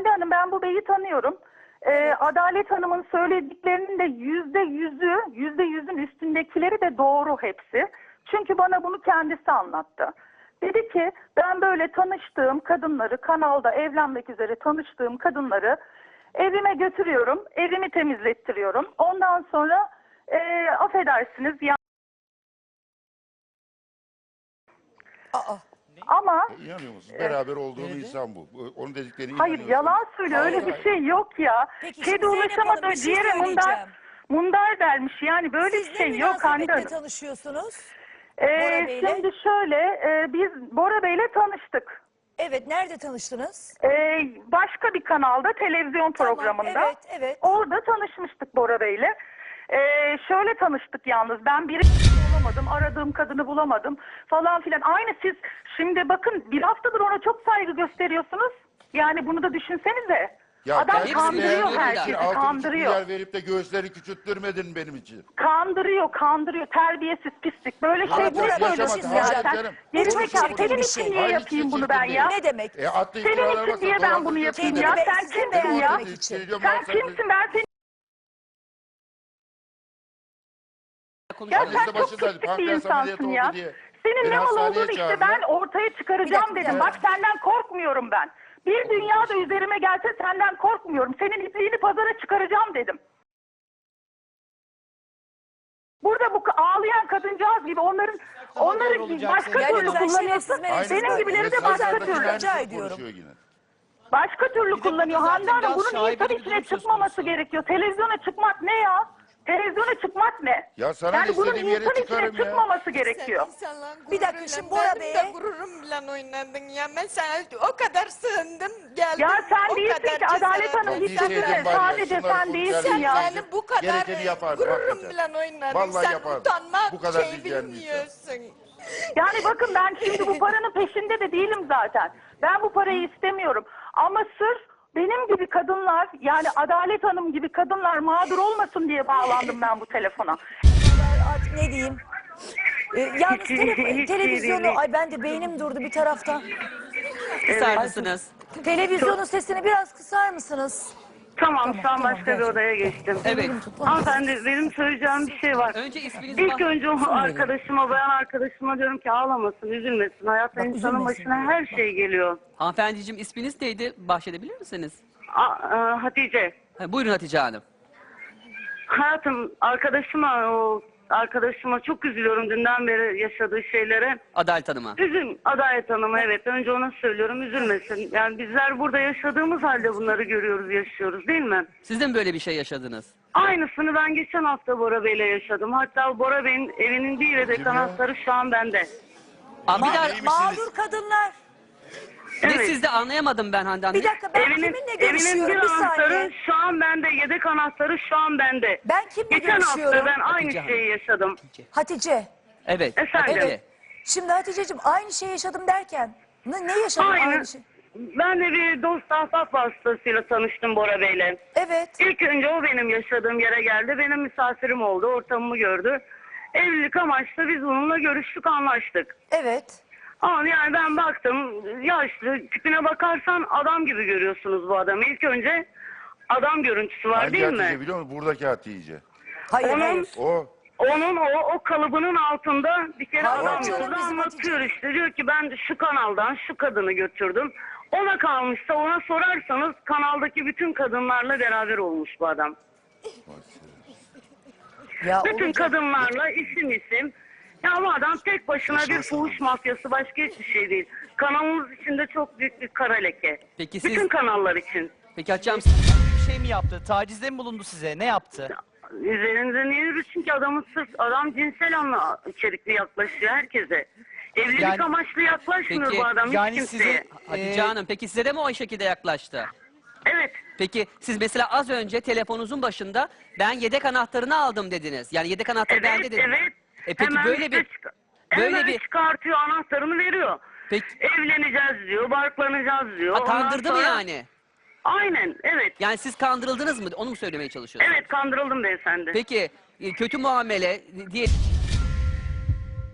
Hande Hanım, ben bu beyi tanıyorum. Adalet Hanım'ın söylediklerinin de %100'ün üstündekileri de doğru hepsi. Çünkü bana bunu kendisi anlattı. Dedi ki ben böyle tanıştığım kadınları, kanalda evlenmek üzere tanıştığım kadınları evime götürüyorum, evimi temizlettiriyorum. Ondan sonra affedersiniz ya. Aa. Ama İnanıyor musun? Beraber olduğum insan bu. Onun dediklerine hayır, inanıyorsun. yalan söylüyor. Öyle bir şey yok ya. Peki, Kedi şimdi Zeynep Hanım, ulaşamadığı bir şey ciğere söyleyeceğim. mundar dermiş. Yani böyle Siz bir şey ne yok Hande münasebetle Hanım. tanışıyorsunuz? Bora Bey'le? Şimdi şöyle, biz Bora Bey'le tanıştık. Evet, nerede tanıştınız? Başka bir kanalda, televizyon programında. Evet. Orada tanışmıştık Bora Bey'le. Şöyle tanıştık yalnız. Ben biri bulamadım, aradığım kadını bulamadım falan filan. Aynı siz şimdi bakın, bir haftadır ona çok saygı gösteriyorsunuz. Yani bunu da düşünsenize. Ya Adam kendini kandırıyor beğendiğin herkesi, için 6,5 kandırıyor. milyar verip de göğüsleri küçülttürmedin benim için. Kandırıyor. Terbiyesiz, pislik. Böyle Ama şeyleri Bora Bey, yaşamak söylüyorsun hayır zaten. canım. Gerizekalı, Çok çirkin senin bir için şey. niye Hayır, yapayım hiç bunu çirkin ben değil. ya? Ne demek? Attığı Senin iftiralara için baksa diye ben bunu dolandırıcı yapayım seni. ya. Kendini Sen sizi kimsin ya? beğendirmek için. Sen kimsin? Ben seni... Ya Annesi sen de çok başındaydı, pislik bir pankreas ameliyatı insansın oldu ya. diye. Senin Beni ne mal hastaneye olduğunu işte çağırdılar. ben ortaya çıkaracağım Bir dakika, dedim. Bak, senden korkmuyorum ben. Bir dünya da üzerime gelse senden korkmuyorum. Senin ipliğini pazara çıkaracağım dedim. Burada bu ağlayan kadıncağız gibi onların başka Ya türlü lütfen kullanıyorsun. şerefsiz Benim gibileri de Mesaj başka vermesinin türlü. aynısını Rica ediyorum. konuşuyor yine. Başka türlü kullanıyor burada Hande zaten Hanım. biraz Bunun insan şaibeli bir içine durum söz çıkmaması konusu. gerekiyor. Televizyona çıkmak ne ya? Televizyona çıkmak ne? Ya sana ne, yani bunun istediğim yere insan içine çıkarım ya. çıkmaması gerekiyor. Bir dakika, şimdi Bora Bey'e... gururum oynadın ya. Ben sana o kadar sığındım geldim. Ya sen o değilsin kadar ki Adalet cesaret Hanım, Bir dikkat şeyden etsene. var ya, Sadece şunları sen konuşacağız, değilsin ya. konuşacağız. Yani bu kadar Gerekeni yapardı, gururum hakikaten. bile oynadın. Vallahi Sen yapardı. utanmak Bu kadar şey bileceğin bir insan. bilmiyorsun. Yani bakın, ben şimdi bu paranın peşinde de değilim zaten. Ben bu parayı istemiyorum. Ama sırf benim gibi kadınlar, yani Adalet Hanım gibi kadınlar mağdur olmasın diye bağlandım ben bu telefona. Artık ne diyeyim? Yalnız televizyonu... Ay, ben de beynim durdu bir taraftan. Kısar mısınız? Televizyonun sesini biraz kısar mısınız? Tamam, şu an tamam, başka bir gerçekten. odaya geçtim. Evet. Hanımefendi, benim söyleyeceğim bir şey var. Önce isminizi İlk önce o arkadaşıma, bayan arkadaşıma diyorum ki ağlamasın, üzülmesin. Hayatta Bak, insanın üzülmesin başına her şey geliyor. Hanımefendiciğim, isminiz neydi? Bahşedebilir misiniz? Hatice, Buyurun Hatice Hanım. hayatım, arkadaşıma çok üzülüyorum dünden beri yaşadığı şeylere. Adalet Hanım'a. Adalet Hanım'a, evet. Önce ona söylüyorum, üzülmesin. Yani bizler burada yaşadığımız halde bunları görüyoruz, yaşıyoruz, değil mi? Siz de mi böyle bir şey yaşadınız? Aynısını ben geçen hafta Bora Bey'le yaşadım. Hatta Bora Bey'in evinin değil de Kim ya? anahtarı şu an bende. Bir daha, Mağdur kadınlar. ne Evet. sizde anlayamadım ben Hande Hanım. Bir dakika, ben kiminle Evinin görüşüyorum? bir Bir anahtarı saniye. şu an bende, yedek anahtarı şu an bende. Ben kimle Geçen görüşüyorum? hafta ben aynı Hatice Hanım. şeyi yaşadım. Hatice. Evet. Efendim? Hatice. Evet. Şimdi Hatice'cim, aynı şeyi yaşadım derken ne yaşadın Aynı. aynı şey? Ben de bir dost ahbap vasıtasıyla tanıştım Bora Bey'le. Evet. İlk önce o benim yaşadığım yere geldi. Benim misafirim oldu, ortamımı gördü. Evlilik amaçlı biz onunla görüştük, anlaştık. Evet. Ama yani ben baktım, yaşlı, tipine bakarsan adam gibi görüyorsunuz bu adamı. İlk önce adam görüntüsü var, Hangi değil Hatice mi? biliyor musun? Buradaki Hatice. Hayır, Onun- hayır. Onun o kalıbının altında bir kere Hayır adam canım, yolda bizim anlatıyor Hatice. işte. Diyor ki ben de şu kanaldan şu kadını götürdüm. Ona kalmışsa, ona sorarsanız kanaldaki bütün kadınlarla beraber olmuş bu adam. Ya Bütün olacak. kadınlarla isim. Ya bu adam tek başına bir fuhuş mafyası, başka hiçbir şey değil. Kanalımız içinde çok büyük bir kara leke. Peki siz- Bütün kanallar için. Peki Hatice Hanım, Bir şey mi yaptı? Tacizde mi bulundu size? Ne yaptı? Üzerinize niye yürü? Çünkü adam cinsel anla içerikli yaklaşıyor herkese. Evlilik Yani- amaçlı yaklaşmıyor Peki, bu adam yani hiç kimseye. size- Hatice Hanım, peki size de mi o şekilde yaklaştı? Evet. Peki siz mesela az önce telefonunuzun başında ben yedek anahtarını aldım dediniz. Yani yedek anahtarı bende dediniz. Evet. Peki Hemen böyle bir hemen çıkartıyor, anahtarını veriyor. Peki Evleneceğiz diyor, barklanacağız diyor. Ondan kandırdı mı sonra- yani? Aynen, evet. Yani siz kandırıldınız mı? Onu mu söylemeye çalışıyorsunuz? Evet, kandırıldım beyefendi. Peki kötü muamele diye